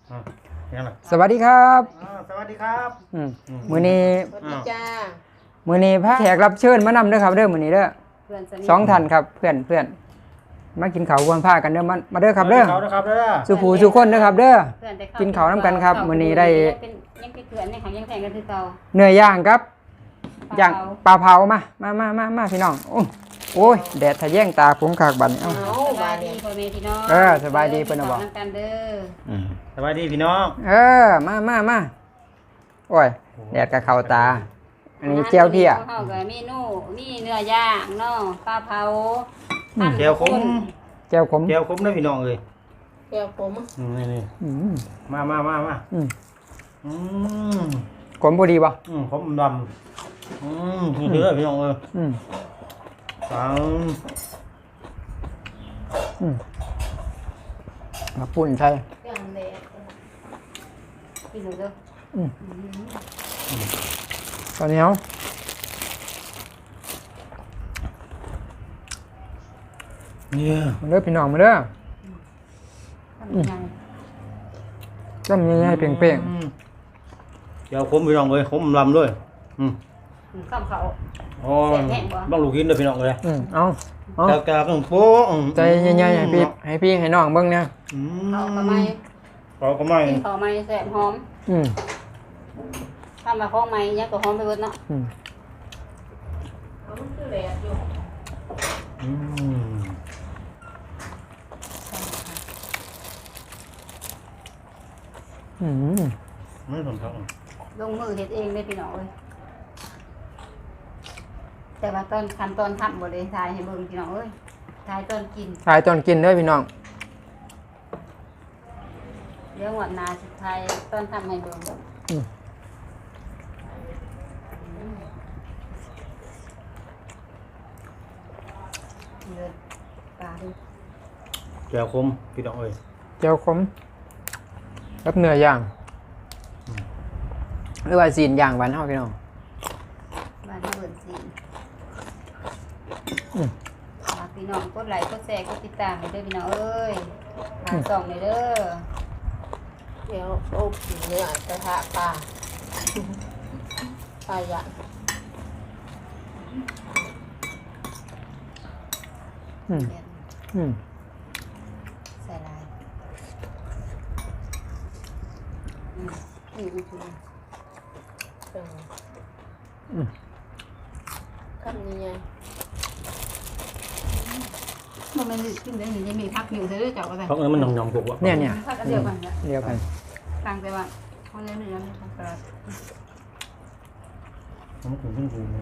ยังไงสวัสดีครับสวัสดีครับมื้อนี้สวัสดีจ้ามื้อนี้พระแขกรับเชิญมานำเด้อครับเด้อมื้อนี้เด้อเพื่อนสนิทสองท่านครับเพื่อนมากินข้าวควรพากันเด้อมาเด้อครับเด้อครับเด้อสุผู้สุคนเด้อครับเด้อเพื่อนแต่เข้กินข้าวน้ำกันครับมื้อนี้ได้ยังเป็นเพื่อนในขังยังแข่งกันคือเก่าเนื้อย่างครับย่างปลาเผามาพี่น้องโอ้ยแดดทะแยงตาผมขากบัดนี้เอ้าสบายดีพ่อแม่พี่น้องสบายดีเพิ่นน่ะบอกน้ำกันเด้อสวัสดีพี่น้องมาโอ้ยแดดกับเข้าตา อันนี้เจียวเพี้ยข้าวกับเมนูมีเนื้อย่างเนาะปลาเผาเจียวขมเจียวขมเจียวขมนะพี่น้องเลยเจียวผมนี่อืมมาขมพอดีบ่ขมดำเยอะพี่น้องเลย ฟังมาปุ่นใช่ย่างแดดกินเด้อตอนนี้เอาเนี่ยมาเด้อพี่น้องมาเด้อทำยังไงต้มยังไงเปรี้ยงเจียวขมพี่น้องเลยขมดำด้วยข้าวเขาอ๋อบ้างลูกกินเลยพี่น้องเลยเอากากๆโป๊ะใจใหญ่ๆให้พี่ให้น้องเบิ่งเนี่ยเขาก็ไม่เขาก็ไม่กินเขาไม่แสบหอมทำมาข้องไม่ยังก็หอมไปหมดเนาะมันคือแดดอยู่ไม่สนท้องลงมือเฮ็ดเองได้พี่น้องเอ้ยแต่ว่าตอนขั้นตอนทำบ่ได้ทายให้เบิ่งพี่น้องเอ้ยทายตอนกินถ่ายตอนกินเด้อพี่น้องเรื่องวันนาสุดท้ายตอนทำให้เบิ่งเลือดปลาดูเจียวขมพี่น้องเลยเจียวขมกับเนื้อย่างหรือว่าซีนย่างบ้านเฮาพี่น้องบ้านเบิ่นสิฝากพี่น้องกดไลค์กดแชร์กดติดตามให้เด้อพี่น้องเอ้ยฝากส่องเลยเด้อเดี๋ยวอบเนื้อกระทะปลาปลาย่างใส่ลายนี่คือคำนี้ไงมันไม่ได้ขึ้นได้หนึ่งจะมีพักอยู่เธอได้จับอะไรเพราะงั้นมันหยองๆกว่าเนี่ยพักเดียวกันเนี่ยเดียวกันต่างแต่ว่าเขาเล่นเนื้อไม่ทำกระดาษมันถึงขึ้นฟูเลย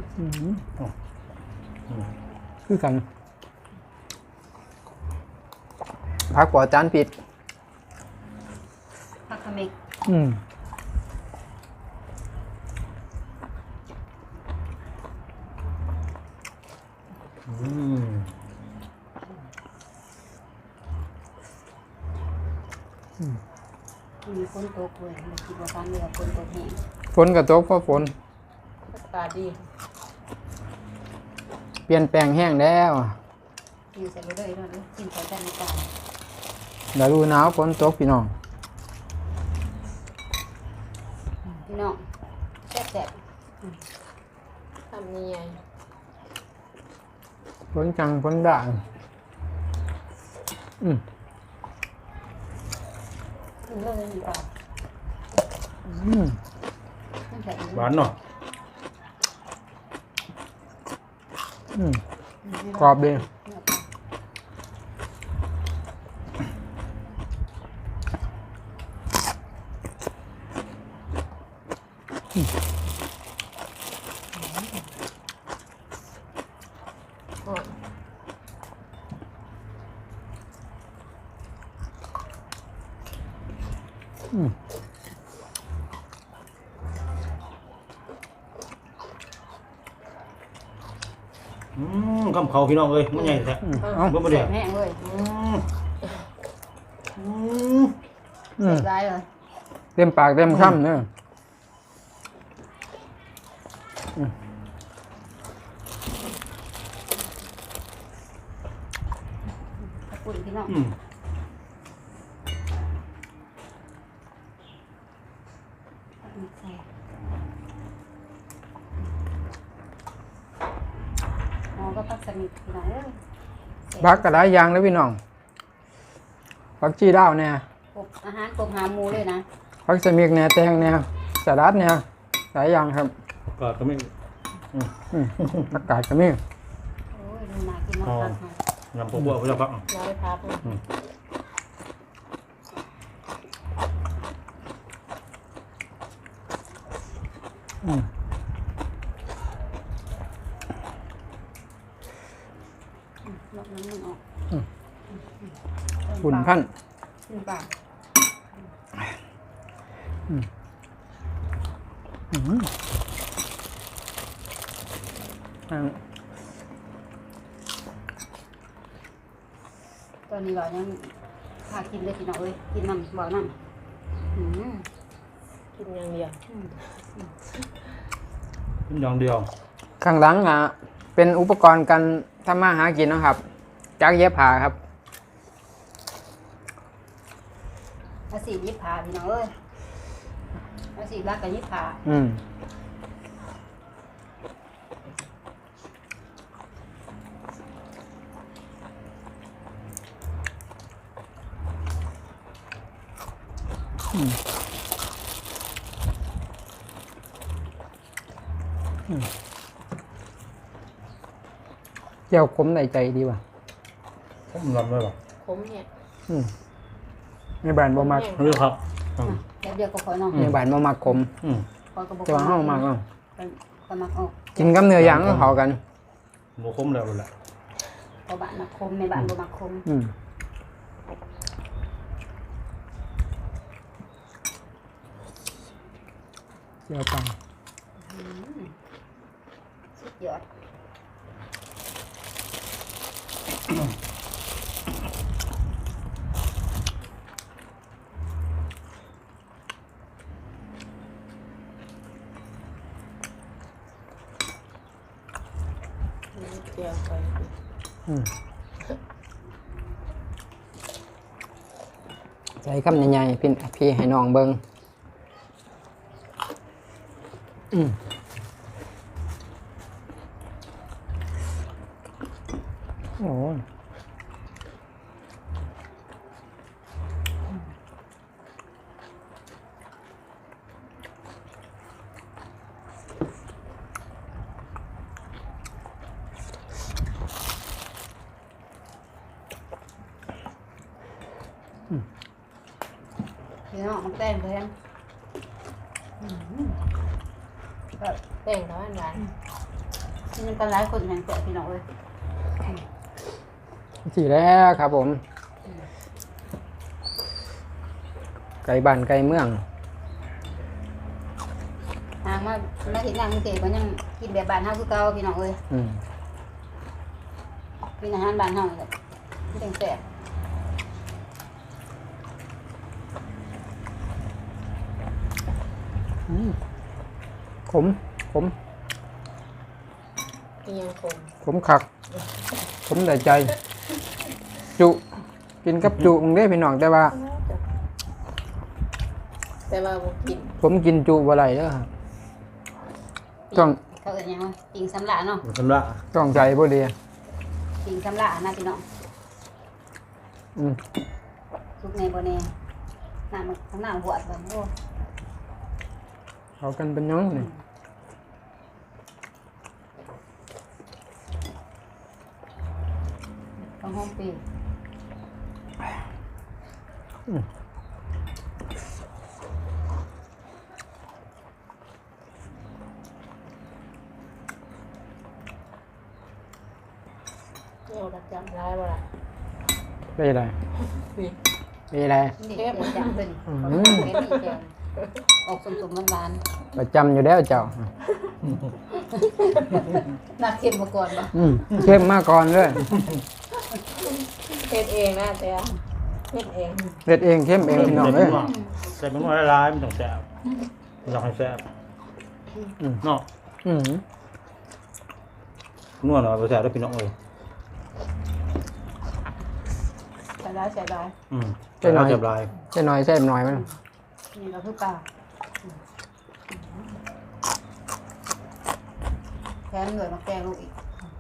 คือกันพักปอจานปิดพักขมิกมีฝนตกเลยไม่คิดว่าฟ้าเรือฝนตกแห้งฝนกับตกเพราะฝนอากาศดีเปลี่ยนแปลงแห้งแล้วอยู่ใส่ไปเลยด้วยกินใส่จานในจานเดี๋ยวดูหนาวฝนตกพี่น้องพี่น้องแซ่บคำนี้ไงฝนจังฝนด่างเรื่องนี้ก่อนตั้งแต่หวานเนาะกรอบดีคำเขาพี่น้องเลยมันใหญ่แท้เอ้าบ่บ่เดียวแห้งเลยอืมได้เลยเต็มปากเต็มคำเนอะขอบคุณพี่น้องอืมใส่อ๋อก็พักสนิทพี่น้องเอ้ยบักกระได้ยางเลยพี่น้องผักชีดาวเนี่ยกบอาหารกบหาหมูเลยนะผักสมิกเนี่ยแตงเนี่ยสลัดเนี่ยหลายอย่างครับก็ไม่อากาศก็มีโอ้ยดูน่ากินมากค่ะยำพวกบัวพวกพักร้อยพับลอกน้ำมันออกหุ่นพันขึ้นปาก ตอนนี้เรายังพากินเลยพี่น้องเอ้ยกินน้ำบ่อน้ำกินอย่างเดียวอย่างเดียวข้างหลังเป็นอุปกรณ์การทำมาหากินนะครับจักเย็บผ้าครับอาสียิบผ่าพี่น้องเอ้ยอาสีรักกับยิบผ่าเจ้าขมในใจดีว่ะผมรำได้ป่ะขมเนี่ยในบ้านบ่มักเรื่องครับแล้วเดียวก็คอยน้องในบ้านบ่มักขมคอยกระบอกแต่ว่าเฮามักก็มักออกกินกับเนื้อย่างก็เข้ากันโมคมแล้วแหละพอบ้านมักคมในบ้านบ่มักคมเจ้าปังสุดยอดเดียวไปใส่คำใหญ่ๆพี่ให้น้องเบิ่งโอ้ยพี่น้องมันแต้มเลยก็แต่งแล้วหวานที่มันกันหลายคนแห่งแต่พี่น้องเอ้ยสีแล้วครับผม ไก่บ้านไก่เมืองทางมาเห็นงานกรุงเทพก็ยังกินแบบบ้านเฮาคือเก่าพี่น้องเอ้ยกินอาหารบ้านเฮาเลยที่แซ่บขมกินยังขมขมคัก ขมแต่ใจ จุกินกับจุมึงได้พี่น้องแต่ว่าแต่ว่าบ่กินผมกินจุบ่ไรเด้อครับต้องเขาเอิ้นหยังวะปิงสำลาเนาะสำลักต้องใจบ่ดีปิงสำลานะพี่น้องทุกในบ่แน่น้ำมันข้างหน้าหัวแบบโอ้เขากันเป็นยังนี่ต้องห้องปีเดี๋ยวรักจำร้ายบ่ล่ะเป็นไรนี่เป็นไรนี่เดี๋ยวจังเพิ่นเป็นนี่แกงออกสมๆหวานประจำอยู่แล้วเจ้าๆน่าเค็มมาก่อนบ่เข้มมาก่อนเลยเฮ็ดเองนะแต่เฮ็ดเองเด็ดเองเข้มเองพี่น้องเอ้ยใส่เป็นว่าร้ายมันต้องแซ่บมันต้องให้แซ่บเนาะนวดหน่อยไปแซ่บได้พี่น้องเลยใส่ได้ใช่หน่อยเจ็บลายใช่หน่อยใช่หน่อยมันนี่ก็คือปลาแถมเหนื่อยมาแกงลูกอีก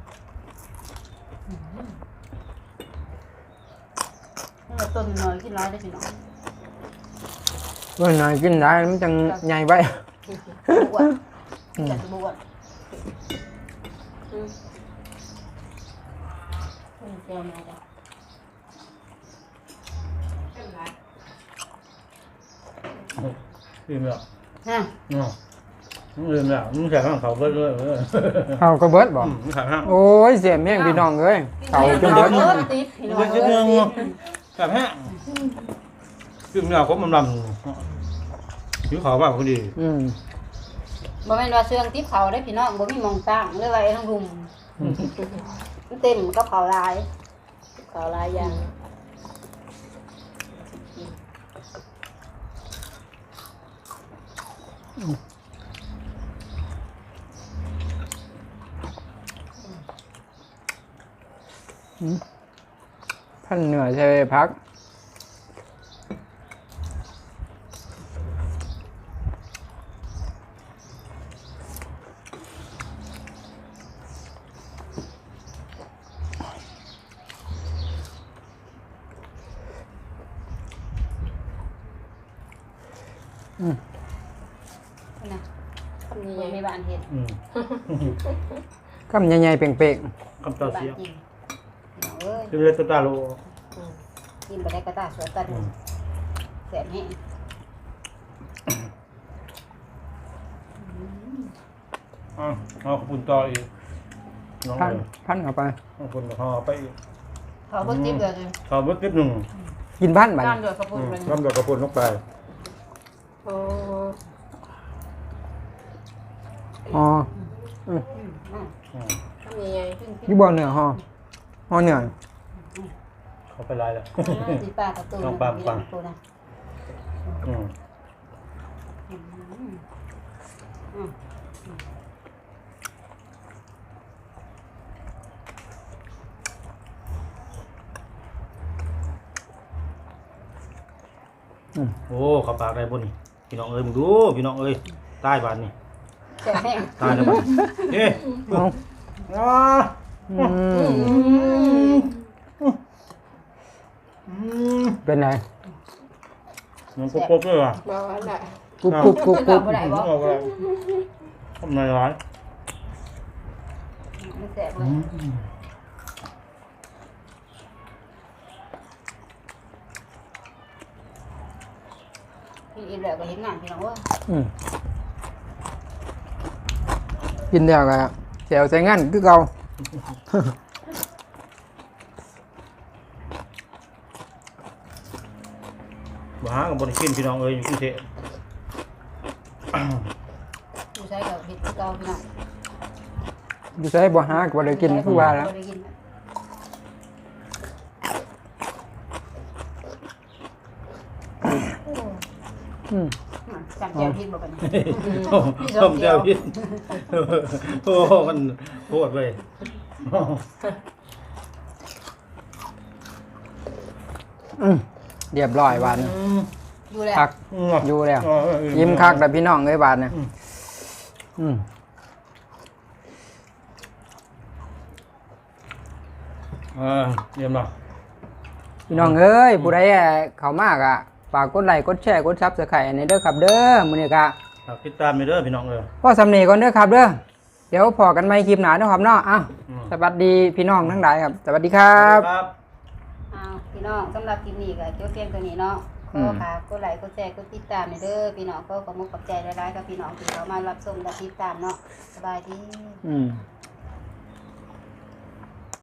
นี่เราต้นน้อยกินร้ายได้พี่น้องวันไหนกินได้มันจังใหญ่ไปบวชอยากจะบวชเจียวมาจ้ะลืมแล้วฮะเนาะลืมแล้วมึงใส่ข้างเขาเบิดเลยเขาก็เบิดบ่มึงใส่ข้างโอ้ยเสียแม่งพี่น้องเอ้ยเขาจนเบิดติดพี่น้องเบิดเอชิ้นหนึง้ยใส่แห้งลืมแล้วครบมันลำผิวขาวบ้าพอดีบ่แม่นว่าเสื่องติดเขาได้พี่น้องบ่มีหมองตั้งเลยว่าไอ้ทั้งรุมมันเต็มกับเขาลายเขาลายอย่างท่านเหนื่อยใช่พักนะทำยังบ่ไงมีบ้านเฮ็ดคำใหญ่ๆเป่งคำต่อบ้านเสียกินพี่น้องเอ้ยจะเลยตาโลกินบ่ได้ก็ตาสวยกันแสบแห้งเอาขปุ่นต่ออีกน้องๆพันเลยพันเข้าไปขปุ่นห่อไปอีกเขาบ่ติดเลยขอเบิดนิดหนึ่งกินพันบัดการนี้เดือดกระปุกเลยน้ำดอกกระปุ่นลงไปโอ้อ๋อทำยังไงอยู่บ่เหนือห่อเหนือเขาไปลายแล้วสีปลากระตุ้นลองปังปังตัวนะโอ้เขาปากได้บนนี่พี่น้องเอ้ยมึงดูพี่น้องเอ้ยใต้บานนี่แสบแห้งตายแล้วบ้านเฮ้ยเอาอ่าเป็นไงมันกบๆเลยว่ะบอกว่าน่ะกรุบกรุบกรุบกรุบบ่ได้บ่เอาไปทำไมร้ายมันแสบเลยพี่อิ่มแล้วก็เห็นงานพี่น้องว่ากินแล้วก็แจวใส่งั้นคือเก่าบ้ากับบนกินพี่น้องเอ้ยอยู่กรุงเทพผู้ใช้กับเห็ดที่เก่าพี่น้องอยู่ใส่บ่หาก็บ่ได้กินคือว่าแล้วบ่ได้กิน จำเจียวพิษบ่กันต้มเจ้าพิษโอ้มันโคตรเลยเรียบร้อยบาดนี้ดูแลคักอยู่แล้วยิ้มคักแต่พี่น้องเอ้ยบาดนี้เยี่ยมเนาะพี่น้องเอ้ยผู้ใดเข้ามากอ่ะฝากกดไลค์กดแชร์กดซับสไครต์ในเด้อครับเด้อมื้อนี้ก็ติดตามไปเด้อพี่น้องเอ้ยพอสำเนีก่อนเด้อครับเด้อเดี๋ยวพอกันใหม่คลิปหน้าเนาะครับเนาะสวัสดีพี่น้องทั้งหลายครับสวัสดีครับพี่น้องสำหรับคลิปนี้ก็จบเพียงตัวนี้เนาะขอค่ะกดไลค์กดแชร์กดติดตามเด้อพี่น้องก็ขอมุกขอบใจหลายๆกับพี่น้องที่เขามารับชมและติดตามเนาะสบายดี